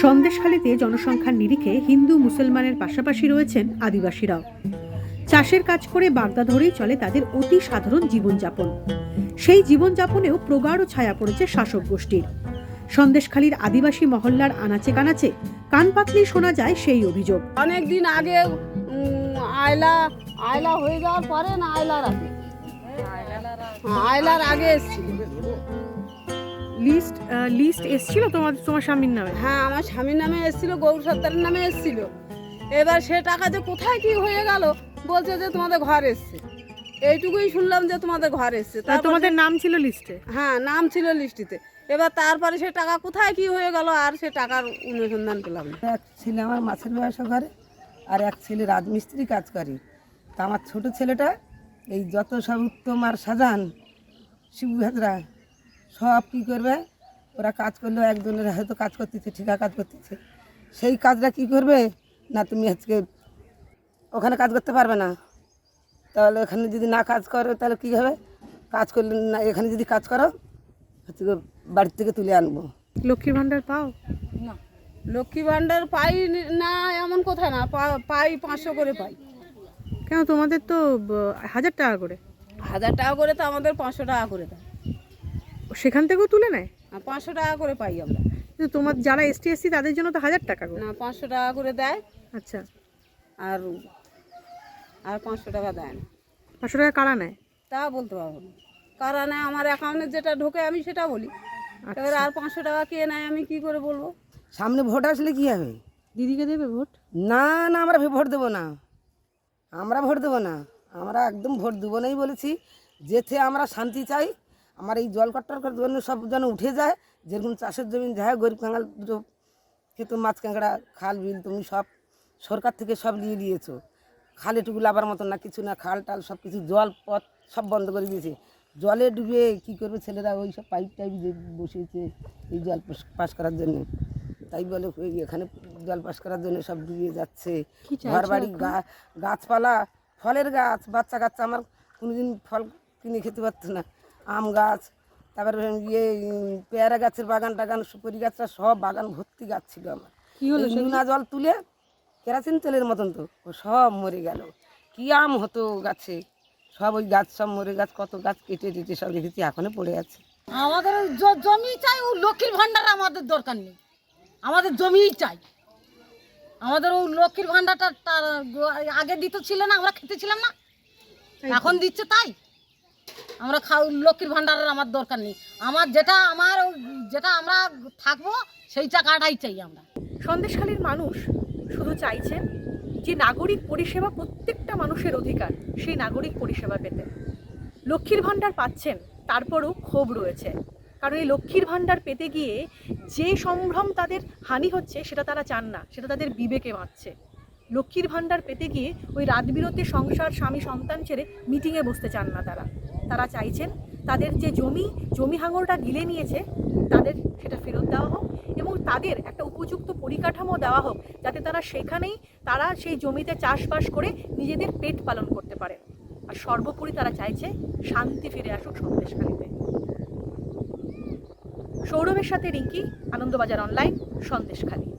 সন্দেশখালীতে জনসংখ্যার নিরিখে হিন্দু মুসলমানের পাশাপাশি রয়েছেন আদিবাসীরাও। চাষের কাজ করে বাগদা ধরেই চলে তাদের অতি সাধারণ জীবনযাপন। সেই জীবনযাপনেও প্রগাঢ় ছায়া পড়েছে শাসক গোষ্ঠীর। সন্দেশখালীর আদিবাসী মহল্লার আনাচে কানাচে কান পাতলেই শোনা যায় সেই অভিযোগ। অনেক দিন আগে আয়লা হয়ে যাওয়ার পরে না আয়লার আগে এসেছিল লিস্ট এসেছিল তোমার স্বামীর নামে? হ্যাঁ, আমার স্বামীর নামে এসেছিল, গৌর সত্তারের নামে এসেছিল। এবার সে টাকা যে কোথায় কি হয়ে গেল, বলছে যে তোমাদের ঘর এসছে। এইটুকুই শুনলাম যে তোমাদের ঘর এসছে। তোমাদের নাম ছিল লিস্টে? হ্যাঁ, নাম ছিল লিস্টিতে। এবার তারপরে সে টাকা কোথায় কি হয়ে গেল আর সে টাকার অনুসন্ধান পেলাম না। এক ছেলে আমার মাছের ব্যবসা করে, আর এক ছেলে রাজমিস্ত্রি কাজ করে। তা আমার ছোটো ছেলেটা এই যত সব উত্তম আর সাজান শিবু হাজরা সব কী করবে, ওরা কাজ করলেও একজনের হয়তো কাজ করতেছে, ঠিকা কাজ করতেছে, সেই কাজটা কি করবে না, তুমি আজকে ওখানে কাজ করতে পারবে না। তাহলে ওখানে যদি না কাজ করো তাহলে কী হবে, কাজ করলে না, এখানে যদি কাজ করো হচ্ছে বাড়ির থেকে তুলে আনবো। লক্ষ্মীর ভাণ্ডার পাও না? লক্ষ্মী ভাণ্ডার পাই না এমন কথা না, পাই 500 করে পাই। কেন, তোমাদের তো 1000 টাকা করে। 1000 টাকা করে তো আমাদের 500 টাকা করে দেয়। সেখান থেকেও তুলে নেয়? 500 টাকা করে পাই আমরা। কিন্তু তোমার যারা এসটি এসসি তাদের জন্য তো 1000 টাকা করে। না, 500 টাকা করে দেয়। আচ্ছা, আর 500 টাকা দেয় না। 500 টাকা কারা নেয় তা বলতে পারবো না, কারা নেয় আমার অ্যাকাউন্টে যেটা ঢোকে আমি সেটা বলি। এবার আর 500 টাকা কে নেয় আমি কি করে বলবো? সামনে ভোট আসলে কী হবে? দিদিকে দেবে ভোট? না না, আমরা ভোট দেবো না, আমরা ভোট দেবো না, আমরা একদম ভোট দেবো নাই বলেছি। যেতে আমরা শান্তি চাই, আমার এই জল কাটার জন্য সব যেন উঠে যায়। যেরকম চাষের জমি যায়, গরিব কাঙ্গাল দুটো খেত, মাছ কাঁকড়া, খাল বিল তুমি সব সরকার থেকে সব নিয়ে নিয়েছো। খাল এটুকু লাবার মতন না, কিছু না, খাল টাল সব কিছু জল পথ সব বন্ধ করে দিয়েছে। জলে ডুবে কী করবে ছেলেরা, ওই সব পাইপ টাইপ যে বসিয়েছে এই জল পাস করার জন্য, তাই বলে এখানে জল পাস করার জন্য সব ডুবে যাচ্ছে। ঘর বাড়ি, গাছপালা, ফলের গাছ, বাচ্চা কাচ্চা আমার কোনোদিন ফল কিনে খেতে পারতো না। আম গাছ, তারপরে পেয়ারা গাছের বাগান টাগান, সুপারি গাছটা সব বাগান ভর্তি গাছ ছিল আমার। নোনা জল তুলে কেরাসিন তেলের মতন তো ও সব মরে গেল। কী আম হতো গাছে, সব ওই গাছ সব মরে, গাছ কত গাছ কেটে টেটে সব রেখেছি, এখনো পড়ে আছে। আমাদের জমি চাই, ও লক্ষ্মীর ভাণ্ডার আমাদের দরকার নেই, আমাদের জমিই চাই। আমাদের ওই লক্ষ্মীর ভাণ্ডারটা তার আগে দিতে ছিল না, আমরা খেতেছিলাম না, এখন দিচ্ছে তাই আমরা লক্ষ্মীর ভাণ্ডারের আমার দরকার নেই। আমার যেটা আমরা থাকবো সেই টাকাটাই চাই আমরা। সন্দেশখালীর মানুষ শুধু চাইছেন যে নাগরিক পরিষেবা প্রত্যেকটা মানুষের অধিকার, সেই নাগরিক পরিষেবা পেতে। লক্ষ্মীর ভাণ্ডার পাচ্ছেন, তারপরও ক্ষোভ রয়েছে, কারণ এই লক্ষ্মীর ভাণ্ডার পেতে গিয়ে যে সম্ভ্রম তাদের হানি হচ্ছে সেটা তারা চান না, সেটা তাদের বিবেকে বাঁচছে। লক্ষ্মীর ভাণ্ডার পেতে গিয়ে ওই রাতবিরতে সংসার, স্বামী, সন্তান ছেড়ে মিটিংয়ে বসতে চান না তারা চাইছেন তাদের যে জমি হাঙরটা গিলে নিয়েছে তাদের সেটা ফেরত দেওয়া হোক, এবং তাদের একটা উপযুক্ত পরিকাঠামো দেওয়া হোক যাতে তারা সেই জমিতে চাষবাস করে নিজেদের পেট পালন করতে পারে। আর সর্বোপরি তারা চাইছে শান্তি ফিরে আসুক সন্দেশখালীতে। সৌরভের সাথে রিঙ্কি, আনন্দবাজার অনলাইন, সন্দেশখালী।